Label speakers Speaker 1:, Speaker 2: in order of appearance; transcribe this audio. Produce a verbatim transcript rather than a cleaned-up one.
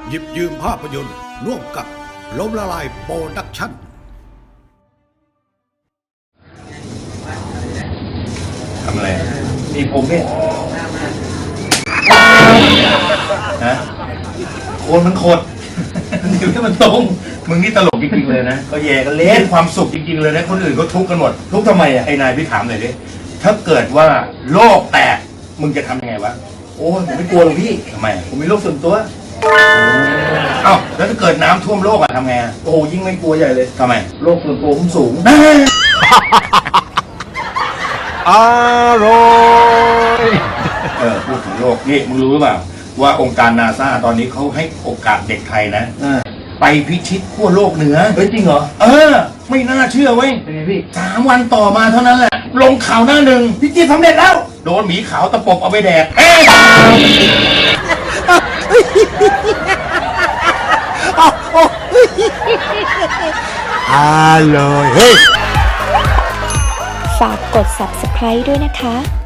Speaker 1: หยิบยืมภาพยนตร์ร่วมกับล้มละลายโปรดักชั่น
Speaker 2: ทำอะไรนี่ผมเนี่ยฮะโคนมันโคตรนิ้วให้มันตรงมึงนี่ตลกจริงๆเลยนะก็แย่กันเล่นความสุขจริงๆเลยนะคนอื่นก็ทุกข์กันหมดทุกข์ทำไมอ่ะไอ้นายพี่ถามหน่อยดิถ้าเกิดว่าโลกแตกมึงจะทำยังไงวะ
Speaker 3: โอ้ผมไม่กลัวหรอกพี่
Speaker 2: ทำไม
Speaker 3: ผมมีโรคส่วนตัว
Speaker 2: เอ้าแล้วถ้าเกิดน้ำท่วมโลกอะทำไง
Speaker 3: โอ้ยิ่งไม่กลัวใหญ่เลย
Speaker 2: ทำไม
Speaker 3: โรคส่วนตัวผมสูง
Speaker 1: อร่อย
Speaker 2: เออพูดถึงโลกนี่มึงรู้หรือเปล่าว่าองค์การนาซาตอนนี้เขาให้โอกาสเด็กไทยนะไปพิชิตขั้วโลกเหนือ
Speaker 3: เฮ้ยจริงเหรอ
Speaker 2: เออไม่น่าเชื่อเว้ย
Speaker 3: เป็นไงพี่
Speaker 2: สามวันต่อมาเท่านั้นแหละลงข่าวหน้าหนึ่งพิชิตสำเร็จแล้วโดนหมีขาวตะปบเอาไปแดกเอ๊ะ
Speaker 1: อร่อยเฮ้ย
Speaker 4: ฝากกด ซับสไครบ์ ด้วยนะคะ